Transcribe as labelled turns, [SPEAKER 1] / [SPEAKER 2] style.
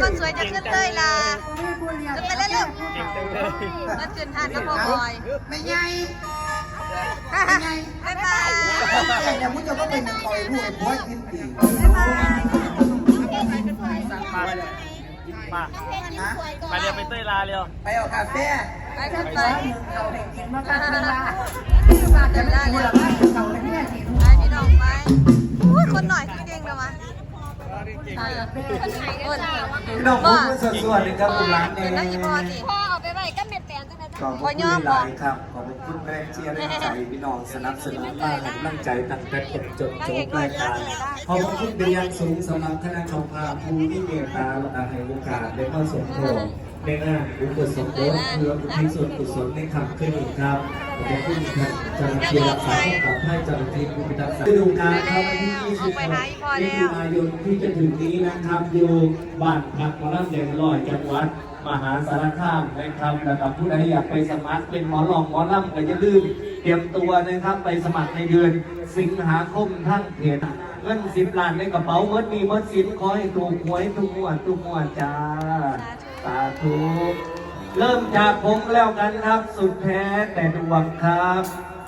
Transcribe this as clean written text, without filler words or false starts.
[SPEAKER 1] คนสวยจะขึ้นเลยล่ะขึ้นไปเลยลูกมาขึ้นทานกับพ่อบอย
[SPEAKER 2] ไม่ใหญ่
[SPEAKER 1] บ๊ายบาย
[SPEAKER 2] ใหญ่เนี่ยมึงจะก็เป็นคอยรู้ไอ้พ่อกินปี
[SPEAKER 1] บ๊ายบาย
[SPEAKER 3] มาไปเร็วไปเต้ยลาเร็ว
[SPEAKER 2] ไปเอาคาเฟ่
[SPEAKER 1] ไปขึ้นไป
[SPEAKER 2] เราไปกินมากันเวลา
[SPEAKER 1] มาเดินได้เลย
[SPEAKER 2] เราไปเนี่ยสิ
[SPEAKER 1] ไปพี่น้องไปคนหน่อยคือเก่งเลยวะคน
[SPEAKER 2] พี่น้องพูดสวดๆเลยครับคุณร้านเอง
[SPEAKER 1] แล้วอีพอสิ
[SPEAKER 4] พ่อเอาไปไว้ก็เม็ดแปลงจังได๋
[SPEAKER 2] ขอบคุณหลายครับขอบคุณแรงเชียร์แรงใจพี่น้องสนับสนุนมาให้กำลังใจตั้งแต่จบจบรายการขอบคุณเป็นอย่างสูงสำหรับคณะกรรมการผู้ที่เมตตาและให้โอกาสได้เข้าสมทบในงานอุปสมบทเพื่ออุทิศส่วนกุศลในคำขึ้นอีกครับขอบคุณครับเจ้าหน้าที่รักษาความปลอดภัยเจ้าหน้าที่ผู้พิทักษ์ฤดูกาลครับวันที่26มิถุนายนที่จะถึงนี้นะครับอยู่บ้านพักหมอลำเด่นลอยจังหวัดมหาสารคามนะครับแล้วกับผู้ใดอยากไปสมัครเป็นหมอลองหมอลำก็อย่าลืมเตรียมตัวนะครับไปสมัครในเดือนสิงหาคมทั้งเพจเงิน10 ล้านในกระเป๋าเมื่อมีเมื่อสินขอให้ถูกหวยทุกงวดจ้าสาธุเริ่มจากผมแล้วกันครับสุดแท้แต่ดวงครับ